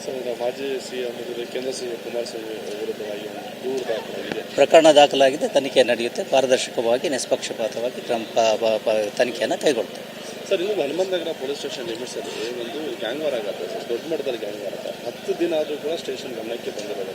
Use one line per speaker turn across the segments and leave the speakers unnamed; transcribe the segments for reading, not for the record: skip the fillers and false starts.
Sir, ಈಗ ಮಾಜಿ CM ಕೇಂದ್ರ ಸಿಎಂ ಕುಮಾರಸ್ವಾಮಿ ವಿರುದ್ಧವಾಗಿ ಒಂದು ದೂರು ದಾಖಲಾಗಿದೆ.
ಪ್ರಕರಣ ದಾಖಲಾಗಿದೆ, ತನಿಖೆ ನಡೆಯುತ್ತೆ. ಪಾರದರ್ಶಕವಾಗಿ ನಿಷ್ಪಕ್ಷಪಾತವಾಗಿ ತನಿಖೆಯನ್ನು ಕೈಗೊಳ್ಳುತ್ತೆ.
ಸರ್, ಇನ್ನು ಹನುಮಂತನಗರ ಪೊಲೀಸ್ ಸ್ಟೇಷನ್ ಲಿಮಿಟ್ಸಲ್ಲಿ ಒಂದು ಗ್ಯಾಂಗ್ ವಾರ್ ಆಗುತ್ತೆ ಸರ್, ದೊಡ್ಡ ಮಟ್ಟದಲ್ಲಿ ಗ್ಯಾಂಗ್ ವಾರ್ ಆಗುತ್ತೆ. 10 ದಿನ ಆದರೂ ಕೂಡ ಸ್ಟೇಷನ್ ಗಮನಕ್ಕೆ ಬಂದಿರೋದಿಲ್ಲ.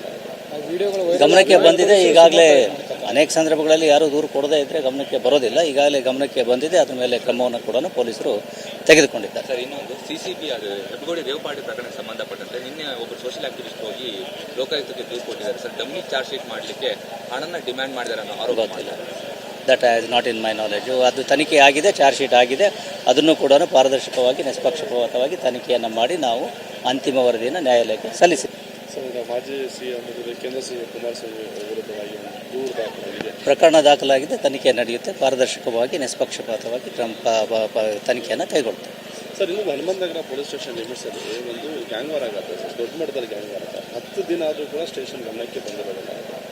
ಗಮನಕ್ಕೆ ಬಂದಿದೆ. ಈಗಾಗಲೇ ಅನೇಕ ಸಂದರ್ಭಗಳಲ್ಲಿ ಯಾರೂ ದೂರು ಕೊಡದೇ ಇದ್ದರೆ ಗಮನಕ್ಕೆ ಬರೋದಿಲ್ಲ. ಈಗಾಗಲೇ ಗಮನಕ್ಕೆ ಬಂದಿದೆ. ಅದ್ರ ಮೇಲೆ ಕ್ರಮವನ್ನು ಕೂಡ ಪೊಲೀಸರು ತೆಗೆದುಕೊಂಡಿದ್ದಾರೆ.
ಸರ್, ಇನ್ನೊಂದು ಸಿಸಿಬಿ ಅದು ಹೆಬ್ಬಗೋಡಿ ರೇವಪಾಡಿ ಪ್ರಕರಣಕ್ಕೆ ಸಂಬಂಧಪಟ್ಟಂತೆ ನಿನ್ನೆ ಒಬ್ಬರು ಸೋಷಿಯಲ್ ಆಕ್ಟಿವಿಸ್ಟ್ ಹೋಗಿ ಲೋಕಾಯುಕ್ತಕ್ಕೆ ದೂರು ಕೊಟ್ಟಿದ್ದಾರೆ. ಸರ್, ಡಮ್ಮಿ ಚಾರ್ಜ್ ಶೀಟ್ ಮಾಡಲಿಕ್ಕೆ ಹಣನ ಡಿಮ್ಯಾಂಡ್ ಮಾಡಿದ್ದಾರೆ ಅನ್ನೋ ಆರೋಪ ಮಾಡಿದ್ದಾರೆ.
That is not in my knowledge. ಅದು ತನಿಖೆ ಆಗಿದೆ, ಚಾರ್ಜ್ ಶೀಟ್ ಆಗಿದೆ. ಅದನ್ನು ಕೂಡ ಪಾರದರ್ಶಕವಾಗಿ ನಿಷ್ಪಕ್ಷಪಾತವಾಗಿ ತನಿಖೆಯನ್ನು ಮಾಡಿ ನಾವು ಅಂತಿಮ ವರದಿಯನ್ನು ನ್ಯಾಯಾಲಯಕ್ಕೆ ಸಲ್ಲಿಸಿದ್ದೇವೆ.
ಸರ್, ಈಗ ಮಾಜಿ ಸಿಎಂ ಕೇಂದ್ರ ಸಿಎಂ ಕುಮಾರಸ್ವಾಮಿ ವಿರುದ್ಧವಾಗಿ ಒಂದು ದೂರು ದಾಖಲಾಗಿದೆ.
ಪ್ರಕರಣ ದಾಖಲಾಗಿದೆ, ತನಿಖೆ ನಡೆಯುತ್ತೆ. ಪಾರದರ್ಶಕವಾಗಿ ನಿಷ್ಪಕ್ಷಪಾತವಾಗಿ ತನಿಖೆಯನ್ನು ಕೈಗೊಳ್ಳುತ್ತೆ.
ಸರ್, ಇನ್ನು ಹನುಮಂತನಗರ ಪೊಲೀಸ್ ಸ್ಟೇಷನ್ ಲಿಮಿಟ್ಸಲ್ಲಿ ಒಂದು ಗ್ಯಾಂಗ್ ವಾರ್ ಆಗುತ್ತೆ ಸರ್, ದೊಡ್ಡ ಮಟ್ಟದಲ್ಲಿ ಗ್ಯಾಂಗ್ ವಾರ್ ಆಗುತ್ತೆ. 10 ದಿನ ಆದರೂ ಕೂಡ ಸ್ಟೇಷನ್ ಗಮನಕ್ಕೆ ಬಂದಿರೋದಿಲ್ಲ.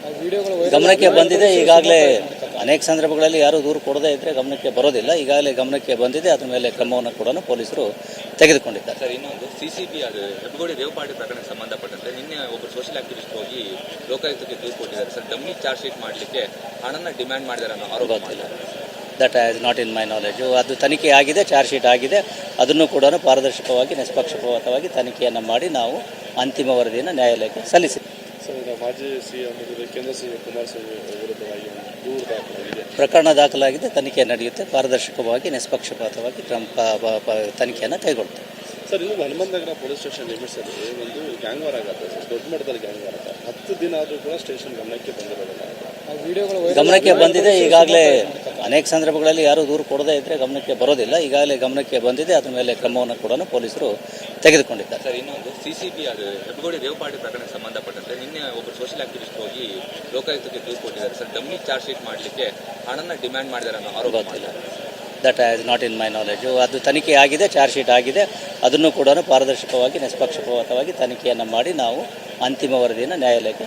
ಗಮನಕ್ಕೆ ಬಂದಿದೆ. ಈಗಾಗಲೇ ಅನೇಕ ಸಂದರ್ಭಗಳಲ್ಲಿ ಯಾರೂ ದೂರು ಕೊಡದೇ ಇದ್ದರೆ ಗಮನಕ್ಕೆ ಬರೋದಿಲ್ಲ. ಈಗಾಗಲೇ ಗಮನಕ್ಕೆ ಬಂದಿದೆ. ಅದ್ರ ಮೇಲೆ ಕ್ರಮವನ್ನು ಕೂಡ ಪೊಲೀಸರು ತೆಗೆದುಕೊಂಡಿದ್ದಾರೆ.
ಸರ್, ಇನ್ನೊಂದು ಸಿಸಿಬಿ ಅದು ಹೆಬ್ಬಗೋಡಿ ರೇವಪಾಡಿ ಪ್ರಕರಣಕ್ಕೆ ಸಂಬಂಧಪಟ್ಟಂತೆ ನಿನ್ನೆ ಒಬ್ಬರು ಸೋಷಿಯಲ್ ಆಕ್ಟಿವಿಸ್ಟ್ ಹೋಗಿ ಲೋಕಾಯುಕ್ತಕ್ಕೆ ದೂರು ಕೊಟ್ಟಿದ್ದಾರೆ. ಸರ್, ಡಮ್ಮಿ ಚಾರ್ಜ್ ಶೀಟ್ ಮಾಡಲಿಕ್ಕೆ ಹಣನ ಡಿಮ್ಯಾಂಡ್ ಮಾಡಿದ್ದಾರೆ ಅನ್ನೋ ಆರೋಪ ಮಾಡಿದ್ದಾರೆ.
That is not in my knowledge. ಅದು ತನಿಖೆ ಆಗಿದೆ, ಚಾರ್ಜ್ ಶೀಟ್ ಆಗಿದೆ. ಅದನ್ನು ಕೂಡ ಪಾರದರ್ಶಕವಾಗಿ ನಿಷ್ಪಕ್ಷಪಾತವಾಗಿ ತನಿಖೆಯನ್ನು ಮಾಡಿ ನಾವು ಅಂತಿಮ ವರದಿಯನ್ನು ನ್ಯಾಯಾಲಯಕ್ಕೆ ಸಲ್ಲಿಸಿದ್ದೇವೆ.
ಸರ್, ಈಗ ಮಾಜಿ ಸಿಎಂ ಕೇಂದ್ರ ಸಿಎಂ ಕುಮಾರಸ್ವಾಮಿ ವಿರುದ್ಧವಾಗಿ ಒಂದು ದೂರು ದಾಖಲಾಗಿದೆ.
ಪ್ರಕರಣ ದಾಖಲಾಗಿದೆ, ತನಿಖೆ ನಡೆಯುತ್ತೆ. ಪಾರದರ್ಶಕವಾಗಿ ನಿಷ್ಪಕ್ಷಪಾತವಾಗಿ ತನಿಖೆಯನ್ನು ಕೈಗೊಳ್ಳುತ್ತೆ.
ಸರ್, ಇನ್ನು ಹನುಮಂತನಗರ ಪೊಲೀಸ್ ಸ್ಟೇಷನ್ ಲಿಮಿಟ್ಸಲ್ಲಿ ಒಂದು ಗ್ಯಾಂಗ್ ವಾರ್ ಆಗುತ್ತೆ ಸರ್, ದೊಡ್ಡ ಮಟ್ಟದಲ್ಲಿ ಗ್ಯಾಂಗ್ ವಾರ್ ಆಗುತ್ತೆ. 10 ದಿನ ಆದರೂ ಕೂಡ ಸ್ಟೇಷನ್ ಗಮನಕ್ಕೆ ಬಂದಿರೋದಿಲ್ಲ.
ಗಮನಕ್ಕೆ ಬಂದಿದೆ. ಈಗಾಗಲೇ ಅನೇಕ ಸಂದರ್ಭಗಳಲ್ಲಿ ಯಾರೂ ದೂರು ಕೊಡದೇ ಇದ್ದರೆ ಗಮನಕ್ಕೆ ಬರೋದಿಲ್ಲ. ಈಗಾಗಲೇ ಗಮನಕ್ಕೆ ಬಂದಿದೆ. ಅದ್ರ ಮೇಲೆ ಕ್ರಮವನ್ನು ಕೂಡ ಪೊಲೀಸರು ತೆಗೆದುಕೊಂಡಿದ್ದಾರೆ.
ಸರ್, ಇನ್ನೊಂದು ಸಿಸಿಬಿ ಅದು ಹೆಬ್ಬಗೋಡಿ ರೇವಪಾಡಿ ಪ್ರಕರಣಕ್ಕೆ ಸಂಬಂಧಪಟ್ಟಂತೆ ನಿನ್ನೆ ಒಬ್ಬರು ಸೋಷಿಯಲ್ ಆಕ್ಟಿವಿಸ್ಟ್ ಹೋಗಿ ಲೋಕಾಯುಕ್ತಕ್ಕೆ ದೂರು ಕೊಟ್ಟಿದ್ದಾರೆ. ಸರ್, ಡಮ್ಮಿ ಚಾರ್ಜ್ ಶೀಟ್ ಮಾಡಲಿಕ್ಕೆ ಹಣನ ಡಿಮ್ಯಾಂಡ್ ಮಾಡಿದ್ದಾರೆ ಅನ್ನೋ ಆರೋಪ ಮಾಡಿದ್ದಾರೆ.
That is not in my knowledge. ಅದು ತನಿಖೆ ಆಗಿದೆ, ಚಾರ್ಜ್ ಶೀಟ್ ಆಗಿದೆ. ಅದನ್ನು ಕೂಡ ಪಾರದರ್ಶಕವಾಗಿ ನಿಷ್ಪಕ್ಷಪಾತವಾಗಿ ತನಿಖೆಯನ್ನು ಮಾಡಿ ನಾವು ಅಂತಿಮ ವರದಿಯನ್ನು ನ್ಯಾಯಾಲಯಕ್ಕೆ